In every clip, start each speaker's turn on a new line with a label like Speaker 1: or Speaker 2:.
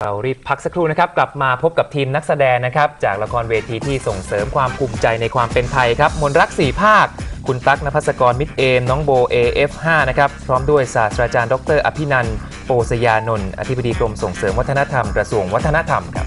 Speaker 1: เรารีบพักสักครู่นะครับกลับมาพบกับทีมนักแสดงนะครับจากละครเวทีที่ส่งเสริมความภูมิใจในความเป็นไทยครับมนรัก4ภาคคุณตั๊ก ณภัสกร มิตรเอมน้องโบ AF5 นะครับพร้อมด้วยศาสตราจารย์ดร.อภินันท์โปสยานนท์อธิบดีกรมส่งเสริมวัฒนธรรมกระทรวงวัฒนธรรมครับ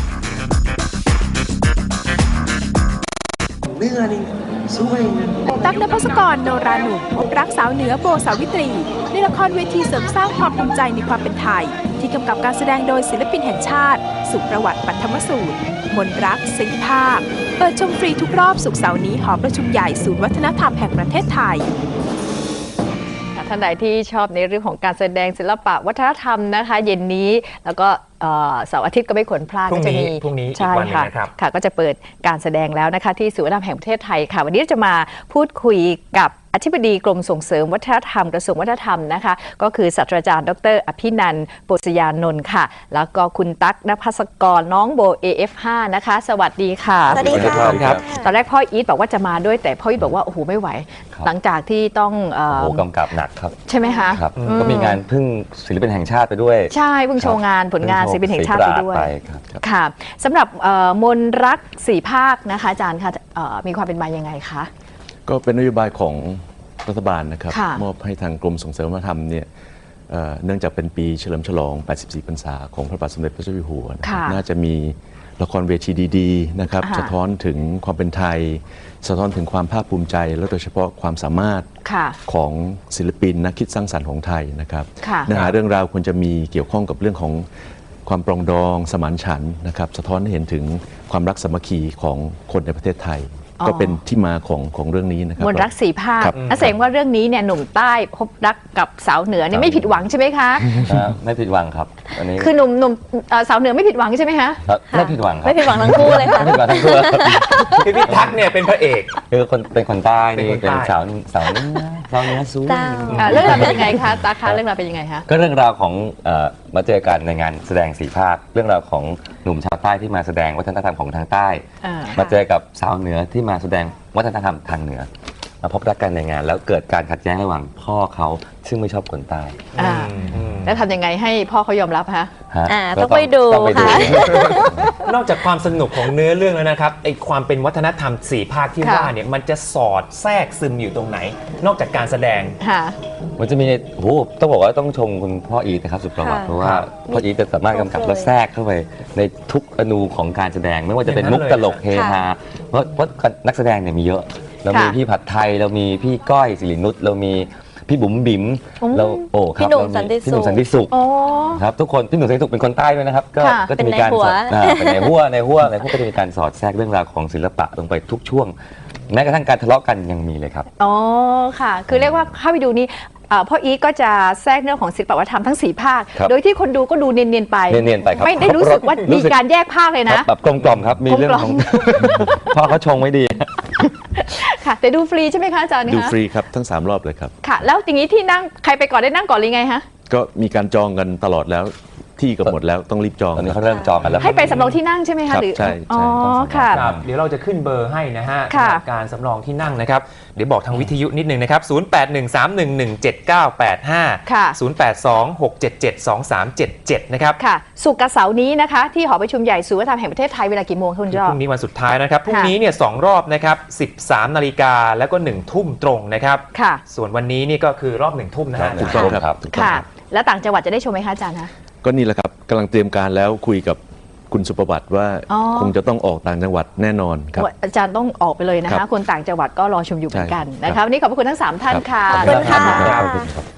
Speaker 2: ตั๊ก ณภัสกร โนราหนุ่มพบรักสาวเหนือโบสาวิตรีในละครเวทีเสริมสร้างความภูมิใจในความเป็นไทยที่กำกับการแสดงโดยศิลปินแห่งชาติสุประวัติปัทมสูตรมนรัก4ภาคเปิดชมฟรีทุกรอบศุกร์เสาร์นี้หอประชุมใหญ่ศูนย์วัฒนธรรมแห่งประเทศไทย
Speaker 3: ท่านใดที่ชอบในเรื่องของการแสดงศิลปะวัฒนธรรมนะคะเย็นนี้แล้วก็เสาร์อาทิตย์ก็ไม่ควรพลาดก็จะมี
Speaker 1: พรุ่งนี้
Speaker 3: ใช่ค่ะค่ะก็จะเปิดการแสดงแล้วนะคะที่ศูนย์วัฒนธรรมแห่งประเทศไทยค่ะวันนี้จะมาพูดคุยกับอธิบดีกรมส่งเสริมวัฒนธรรมกระทรวงวัฒนธรรมนะคะก็คือศาสตราจารย์ดร.อภินันท์โปสยานนท์ค่ะแล้วก็คุณตั๊ก ณภัสกรน้องโบ AF5 นะคะสวัสดีค่ะ
Speaker 4: สวัสดีค่ะ
Speaker 3: ตอนแรกพ่ออีทบอกว่าจะมาด้วยแต่พ่ออีทบอกว่าโอ้โหไม่ไหวหลังจากที่ต้อง
Speaker 5: กำกับหนักครับ
Speaker 3: ใช่ไหมคะ
Speaker 5: ครับก็มีงานพึ่งศิลปินแห่งชาติไปด้วย
Speaker 3: ใช่เพิ่งโชว์งานผลงานศิลปินแห่งชาติไปด้วยค่ะสำหรับมนรัก4ภาคนะคะอาจารย์คะมีความเป็นมายังไงคะ
Speaker 6: ก็เป็นนโยบายของรัฐบาลนะครับมอบให้ทางกรมส่งเสริมวัฒนธรรมเนี่ยเนื่องจากเป็นปีเฉลิมฉลอง 84 พรรษาของพระบาทสมเด็จพระเจ้าอยู่หัวน่าจะมีละครเวทีดีๆนะครับสะท้อนถึงความเป็นไทยสะท้อนถึงความภาคภูมิใจและโดยเฉพาะความสามารถของศิลปินนักคิดสร้างสรรค์ของไทยนะครับเนื้อหาเรื่องราวควรจะมีเกี่ยวข้องกับเรื่องของความปรองดองสมานฉันท์นะครับสะท้อนให้เห็นถึงความรักสามัคคีของคนในประเทศไทยก็เป็นที่มาของเรื่องนี้นะครับ
Speaker 3: มนรัก4ภาคแสดงว่าเรื่องนี้เนี่ยหนุ่มใต้พบรักกับสาวเหนือเนี่ยไม่ผิดหวังใช่ไหมคะ
Speaker 5: ไม่ผิดหวังครับอันนี้
Speaker 3: คือหนุ่มสาวเหนือไม่ผิดหวังใช่ไหมคะ
Speaker 5: ไม่ผิดหวังครับ
Speaker 3: ไม่ผิดหวังทั้งคู่เลยค่ะ
Speaker 5: ไม่ผิดหวังทั้งคู่
Speaker 1: คือพี่ตั๊กเนี่ยเป็นพระเอก
Speaker 5: คือเป็นคนใต้นี่เป็นสาวเหนือสู้
Speaker 3: เรื่องราวเป็นยังไงคะตาคะเรื่องราวเป็นยังไงคะ
Speaker 5: ก็เรื่องราวของมาเจอกันในงานแสดง4ภาคเรื่องราวของหนุ่มชาวใต้ที่มาแสดงวัฒนธรรมของทางใต้มาเจอกับสาวเหนือที่มาแสดงวัฒนธรรมทางเหนือมาพบรักกันในงานแล้วเกิดการขัดแย้งระหว่างพ่อเขาซึ่งไม่ชอบคนใต้
Speaker 3: แล้วทำยังไงให้พ่อเขายอมรับฮะ
Speaker 4: ต้องไปดูค่ะ
Speaker 1: นอกจากความสนุกของเนื้อเรื่องแล้วนะครับไอความเป็นวัฒนธรรม4ภาคที่ว่าเนี่ยมันจะสอดแทรกซึมอยู่ตรงไหนนอกจากการแสดง
Speaker 5: มันจะมีโอ้ต้องบอกว่าต้องชมคุณพ่ออีทนะครับสุประวัติเพราะว่าพ่ออีทจะสามารถกำกับและแทรกเข้าไปในทุกอนูของการแสดงไม่ว่าจะเป็นมุกตลกเฮฮาเพราะนักแสดงเนี่ยมีเยอะเรามีพี่ผัดไทยเรามีพี่ก้อยสิรินุชเรามีพี่บุ๋มบิ๋มเรา
Speaker 4: พี่หนุ่มสันติ
Speaker 5: สุขครับทุกคนพี่หนุ่มสันติสุขเป็นคนใต้ด้วยนะครับก็จะมีการเป็นในหัวก็จะมีการสอดแทรกเรื่องราวของศิลปะลงไปทุกช่วงแม้กระทั่งการทะเลาะกันยังมีเลยครับ
Speaker 3: อ๋อค่ะคือเรียกว่าเข้าไปดูนี่พ่ออีทก็จะแทรกเรื่องของศิลปวัฒนธรรมทั้ง4ภาคโดยที่คนดูก็ดูเนียนๆไป
Speaker 5: ครับ
Speaker 3: ไม่ได้รู้สึกว่ามีการแยกภาคเลยนะ
Speaker 5: แบบกลมๆครับมีเรื่องของพ่อเขาชงไว้ดี
Speaker 3: ค่ะแต่ดูฟรีใช่ไหมคะอาจารย์
Speaker 6: ดูฟรีครับทั้ง3รอบเลยครับ
Speaker 3: ค่ะแล้วอย่างนี้ที่นั่งใครไปก่อนได้นั่งก่อนหรือไงฮะ
Speaker 6: ก็มีการจองกันตลอดแล้วที่ก็หมดแล้วต้องรีบจอง
Speaker 5: ตอนนี้เขาเริ่มจองกันแล้ว
Speaker 3: ให้ไปสำรองที่นั่งใช่ไหมคะหรือ
Speaker 6: ใช่
Speaker 3: อ๋อค่ะ
Speaker 1: เดี๋ยวเราจะขึ้นเบอร์ให้นะฮะการสำรองที่นั่งนะครับเดี๋ยวบอกทางวิทยุนิดนึงนะครับ0813117985 0826772377นะครับ
Speaker 3: ค่ะศุกร์กับเสาร์นี้นะคะที่หอประชุมใหญ่ศูนย์วัฒนธรรมแห่งประเทศไทยเวลากี่โมงคุณจอ
Speaker 1: พรุ่งนี้วันสุดท้ายนะครับพรุ่งนี้เนี่ย2รอบนะครับ13 นาฬิกาแล้วก็1 ทุ่มตรงนะครับ
Speaker 3: ค่ะ
Speaker 1: ส่วนวันนี้นี่ก็คือรอบ1 ทุ่มนะฮะ
Speaker 6: ถูกต้องครับ
Speaker 3: ค่ะแล้วต่างจังหวัดจะได้ชมไหมคะอาจารย์คะ
Speaker 6: ก็นี่แหละครับกำลังเตรียมการแล้วคุยกับคุณสุประวัติว่าคงจะต้องออกต่างจังหวัดแน่นอนครับ
Speaker 3: อาจารย์ต้องออกไปเลยนะคะคนต่างจังหวัดก็รอชมอยู่เหมือนกันนะคะวันนี้ขอบคุณทั้ง3ท่านค่ะ
Speaker 4: ขอบคุณค่ะ